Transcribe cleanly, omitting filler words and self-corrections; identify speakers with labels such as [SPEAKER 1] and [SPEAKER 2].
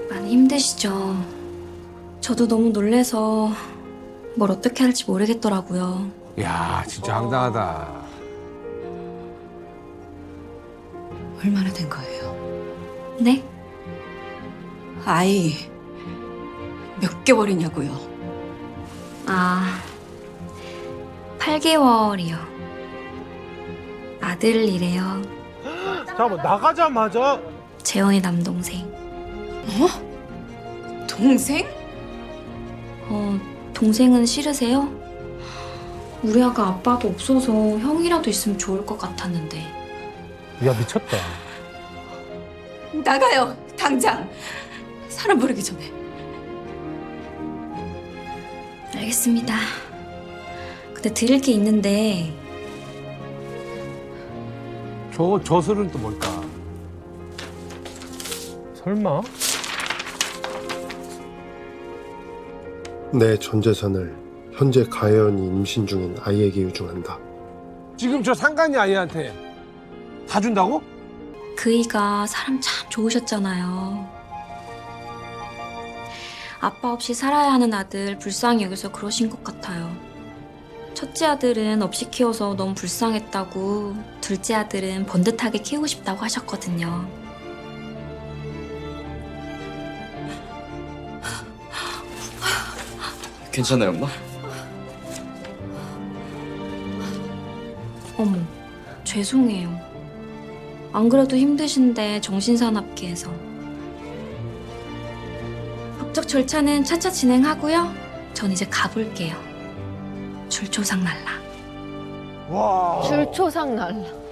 [SPEAKER 1] 많이 힘드시죠? 저도 너무 놀래서 뭘 어떻게 할지 모르겠더라고요.
[SPEAKER 2] 야, 진짜 황당하다.
[SPEAKER 3] 얼마나 된 거예요?
[SPEAKER 1] 네?
[SPEAKER 3] 아이 몇 개월이냐고요?
[SPEAKER 1] 아, 8개월이요. 아들이래요.
[SPEAKER 4] 잠깐만 나가자마자
[SPEAKER 1] 재원이 남동생.
[SPEAKER 3] 동생?
[SPEAKER 1] 동생은 싫으세요? 우리 아가 아빠도 없어서 형이라도 있으면 좋을 것 같았는데.
[SPEAKER 4] 야 미쳤다.
[SPEAKER 3] 나가요 당장. 사람 부르기 전에.
[SPEAKER 1] 알겠습니다. 근데 드릴 게 있는데
[SPEAKER 2] 저 저술은 또 뭘까?
[SPEAKER 4] 설마?
[SPEAKER 5] 내 전 재산을 현재 가연이 임신 중인 아이에게 유증한다.
[SPEAKER 2] 지금 저 상간이 아이한테 다 준다고?
[SPEAKER 1] 그이가 사람 참 좋으셨잖아요. 아빠 없이 살아야 하는 아들 불쌍히 여기서 그러신 것 같아요. 첫째 아들은 없이 키워서 너무 불쌍했다고, 둘째 아들은 번듯하게 키우고 싶다고 하셨거든요.
[SPEAKER 6] 괜찮아요, 엄마?
[SPEAKER 1] 어머, 죄송해요. 안 그래도 힘드신데 정신사납게해서. 법적 절차는 차차 진행하고요. 전 이제 가볼게요. 줄초상 날라.
[SPEAKER 4] 와.
[SPEAKER 7] 줄초상 날라.